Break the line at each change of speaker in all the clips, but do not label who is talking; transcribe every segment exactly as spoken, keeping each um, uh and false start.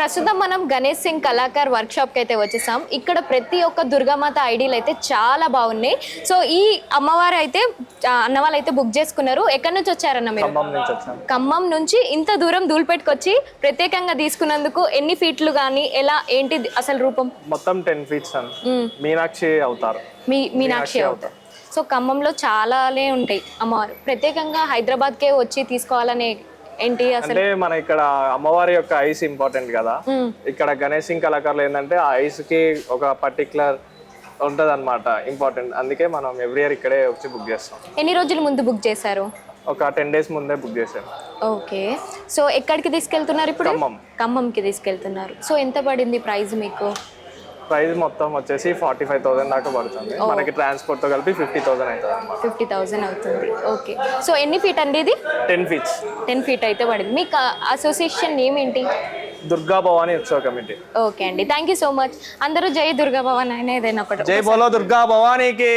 ప్రస్తుతం మనం Ganesh Singh Kalakar workshop కి అయితే వచ్చేసాం. ఇక్కడ ప్రతి ఒక్క దుర్గామాత ఐడీలు అయితే చాలా బాగున్నాయి. సో ఈ అమ్మవారు అయితే అన్న వాళ్ళు అయితే బుక్ చేసుకున్నారు. ఎక్కడి నుంచి వచ్చారన్న మీరు?
ఖమ్మం నుంచి వచ్చాను.
ఖమ్మం నుంచి ఇంత దూరం దూల్పేటకొచ్చి ప్రత్యేకంగా తీసుకున్నందుకు ఎన్ని ఫీట్లు గానీ ఎలా ఏంటి అసలు రూపం?
మొత్తం టెన్ ఫీట్స్ అని మీనాక్షి అవుతారు.
మీ మీనాక్షి అవుతారు. సో ఖమ్మంలో చాలానే ఉంటాయి అమ్మవారు. ప్రత్యేకంగా హైదరాబాద్కే వచ్చి తీసుకోవాలనే ఏంటి అసలు?
అంటే మన ఇక్కడ అమ్మవారి యొక్క ఐస్ ఇంపార్టెంట్ కదా. ఇక్కడ గణేష్ సింగ్ కళాకారులు ఏంటంటే ఆ ఐస్ కి ఒక పర్టికులర్ ఉంటది అనమాట, ఇంపార్టెంట్. అందుకే మనం ఎవ్రీ ఇయర్ ఇక్కడే వచ్చి బుక్ చేస్తాం.
ఎన్ని రోజుల ముందు బుక్ చేశారు?
ఒక టెన్ డేస్ ముందే బుక్ చేశాను.
ఓకే. సో ఎక్కడికి తీసుకెళ్తున్నారు ఇప్పుడు?
ఖమ్మం.
ఖమ్మంకి తీసుకెళ్తున్నారు. సో ఎంత పడింది ప్రైస్ మీకు?
ప్రైస్ మొత్తం వచ్చేసి ఫార్టీ ఫైవ్ థౌసండ్ దాకా పడుతుంది. మనకి ట్రాన్స్పోర్ట్ తో కలిపి ఫిఫ్టీ థౌసండ్ అవుతుంది అనమాట.
ఫిఫ్టీ థౌసండ్ అవుతుంది. ఓకే. సో ఎన్ని ఫీట్ అండి ఇది?
Ten feets.
టెన్ ఫీట్ అయితే పడింది. మీకు అసోసియేషన్ నేమ్ ఏంటి?
దుర్గా భవాని ఉత్సవ కమిటీ.
ఓకే అండి, థ్యాంక్ యూ సో మచ్. అందరూ జై దుర్గా భవాని అయినా ఏదైనా ఒకటి.
జై బోలో దుర్గా భవానీకి.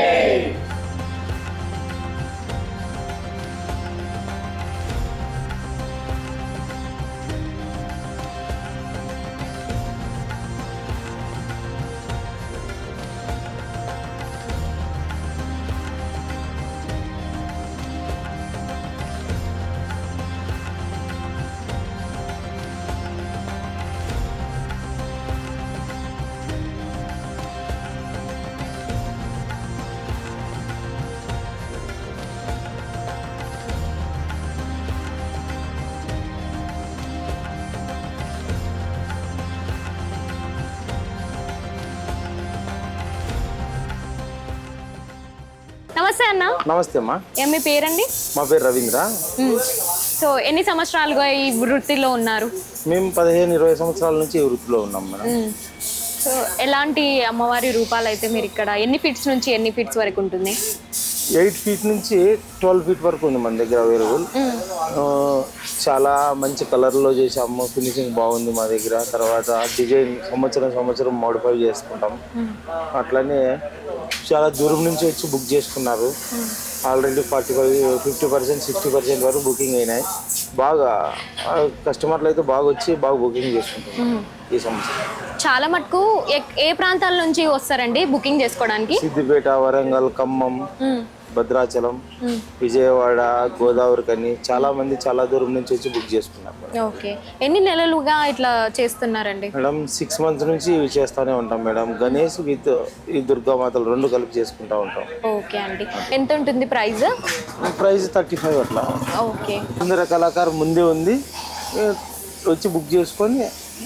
నమస్తే అన్న.
నమస్తే అమ్మా.
ఏం మీ పేరండి?
మా పేరు రవీంద్ర.
సో ఎన్ని సంవత్సరాలుగా ఈ వృత్తిలో ఉన్నారు?
మేము పదిహేను ఇరవై సంవత్సరాల నుంచి ఈ వృత్తిలో ఉన్నాం మేడం.
సో ఎలాంటి అమ్మవారి రూపాలు అయితే మీరు ఇక్కడ ఎన్ని ఫీట్స్ నుంచి ఎన్ని ఫీట్స్ వరకు ఉంటుంది?
ఎయిట్ ఫీట్ నుంచి ట్వెల్వ్ ఫీట్ వరకు ఉంది మన దగ్గర అవైలబుల్. చాలా మంచి కలర్లో చేసాము, ఫినిషింగ్ బాగుంది మా దగ్గర. తర్వాత డిజైన్ సంవత్సరం సంవత్సరం మోడిఫై చేసుకుంటాం. అట్లనే చాలా దూరం నుంచి వచ్చి బుక్ చేసుకున్నారు. Already forty five fifty percent sixty percent వరకు బుకింగ్ అయినాయి. బాగా కస్టమర్లు అయితే బాగా వచ్చి బాగా బుకింగ్ చేసుకుంటాం ఈ సంవత్సరం.
చాలా మటుకు ఏ ప్రాంతాల నుంచి వస్తారండి బుకింగ్ చేసుకోవడానికి?
సిద్దిపేట, వరంగల్, ఖమ్మం, భద్రాచలం, విజయవాడ, గోదావరి కని చాలా మంది చాలా దూరం నుంచి వచ్చి బుక్ చేసుకున్నారు.
ఓకే. ఎన్ని నెలలుగా ఇట్లా చేస్తున్నారండి?
మేడం సిక్స్ మంత్స్ నుంచి ఇవి చేస్తూనే ఉంటాం మేడం. గణేష్ విత్ ఈ దుర్గామాతలు రెండు కలిపి చేసుకుంటా ఉంటాం.
ఓకే అండి. ఎంత ఉంటుంది ప్రైస్?
ప్రైస్ థర్టీ ఫైవ్ అట్లా.
ఓకే.
సుందర కళాకారు ముందే ఉంది, వచ్చి బుక్ చేసుకొని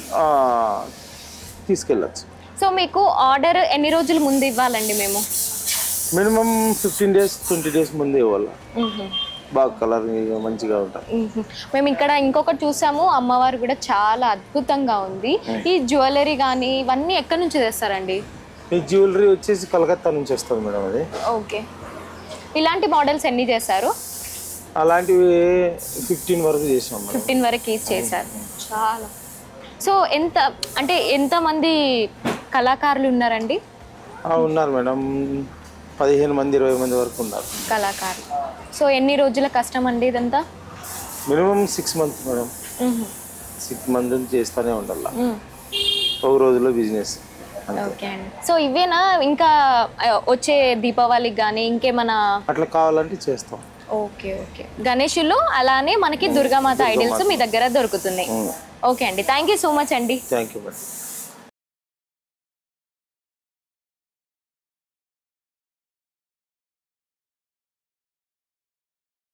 తీసుకెళ్ళచ్చు.
సో మీకు ఆర్డర్ ఎన్ని రోజుల ముందు ఇవ్వాలండి? మేము
minimum fifteen days twenty days ముందే ఇవ్వాలి. బాగా కలర్ మంచిగా ఉంటాయి.
మేము ఇక్కడ ఇంకొకటి చూసాము, అమ్మవారు కూడా చాలా అద్భుతంగా ఉంది. ఈ జ్యువెలరీ కానీ ఇవన్నీ ఎక్కడి నుంచి తెస్తారండి?
ఈ జ్యువెలరీ వచ్చేసి కలకత్తా నుంచి వస్తుంది మేడం. అది
ఓకే. ఇలాంటి మోడల్స్ ఎన్ని చేశారు?
అలాంటివి ఫిఫ్టీన్ వరకు చేసాం.
ఫిఫ్టీన్ వరకు చేశారు. చాలా. సో ఎంత అంటే ఎంతమంది కళాకారులు ఉన్నారండి?
ఉన్నారు మేడం, పదిహేను మంది ఇరవై మంది వరకు ఉన్నారు
కళాకారులు. సో ఎన్ని రోజుల కష్టం అండి ఇదంతా?
Minimum six months madam. Six month నుంచి చేస్తూనే ఉండాలి, ఒక రోజులో బిజినెస్.
ఓకే అండి. సో ఇవేనా ఇంకా వచ్చే దీపావళికి కానీ ఇంకేమైనా
అట్లా కావాలంటే చేస్తాం?
Okay okay. గణేషులు అలానే మనకి దుర్గామాత ఐడల్స్ మీ దగ్గర దొరుకుతున్నాయి. ఓకే అండి, థ్యాంక్ యూ సో మచ్ అండి.
Thank you madam.